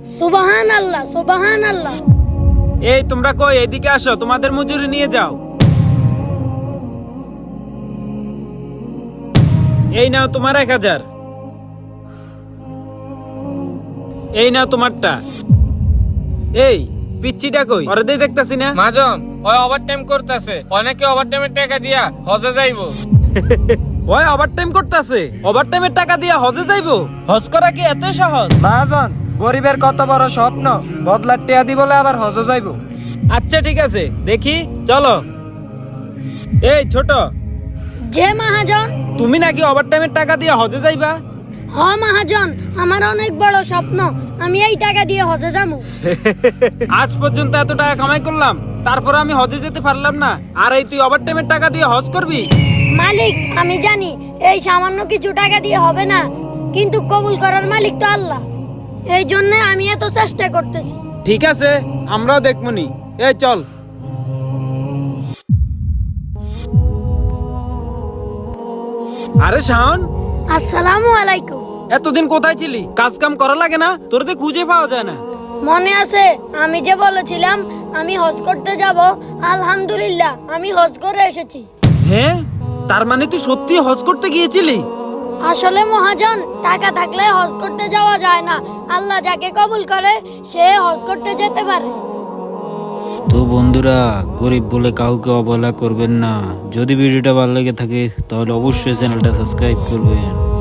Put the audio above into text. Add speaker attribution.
Speaker 1: সুবহানাল্লাহ সুবহানাল্লাহ।
Speaker 2: এই তোমরা কই, এদিকে আসো, তোমাদের মজুরি নিয়ে যাও। এই নাও তোমার 1000। এই নাও তোমারটা। এই পিচ্চিটা কই? ওরে দেই দেখতাছি না।
Speaker 3: মাজন ওই ওভারটাইম করতেছে, অনেকে ওভারটাইমের টাকা দিয়া হজে যাইবো।
Speaker 2: ওই ওভারটাইম করতেছে, ওভারটাইমের টাকা দিয়ে হজে যাইবো? হজ করা কি এত সহজ?
Speaker 4: মহাজন, গরিবের কত বড় স্বপ্ন, বদলার টিয়া দি বলে আবার হজ যাইবো।
Speaker 2: আচ্ছা ঠিক আছে, দেখি চলো। এই ছোট,
Speaker 1: যে মহাজন।
Speaker 2: তুমি নাকি ওভারটাইমের টাকা দিয়ে হজে যাইবা?
Speaker 1: হ মহাজন, আমার অনেক বড় স্বপ্ন, আমি এই টাকা দিয়ে হজে যাবো।
Speaker 2: আজ পর্যন্ত এত টাকা কামাই করলাম, তারপর আমি হজে যেতে পারলাম না, আর এই তুই ওভারটাইমের টাকা দিয়ে হজ করবি?
Speaker 1: মালিক, আমি জানি এই সামান্য কিছু টাকা দিয়ে হবে না, কিন্তু কবুল করার মালিক তো আল্লাহ, এই জন্য আমি এত চেষ্টা করতেছি।
Speaker 2: ঠিক আছে, আমরাও দেখবনি। এই চল। আরে শাওন,
Speaker 1: আসসালামু আলাইকুম।
Speaker 2: এতদিন কোথায় ছিলি? কাজ কাম করা লাগে না? তোর তো খুঁজে পাওয়া যায় না।
Speaker 1: মনে আছে আমি যে বলেছিলাম আমি হজ করতে যাব? আলহামদুলিল্লাহ, আমি হজ করে এসেছি।
Speaker 2: হ্যাঁ, তার মানে তুই সত্যি হজ করতে গিয়েছিলি?
Speaker 1: আসলে মহাজন, টাকা থাকলে হজ করতে যাওয়া যায় না, আল্লাহ যাকে কবুল করে সে হজ করতে যেতে পারে।
Speaker 5: তো বন্ধুরা, গরিব বলে কাউকে অবহেলা করবেন না। যদি ভিডিওটা ভালো লেগে থাকে তাহলে অবশ্যই চ্যানেলটা সাবস্ক্রাইব করবেন।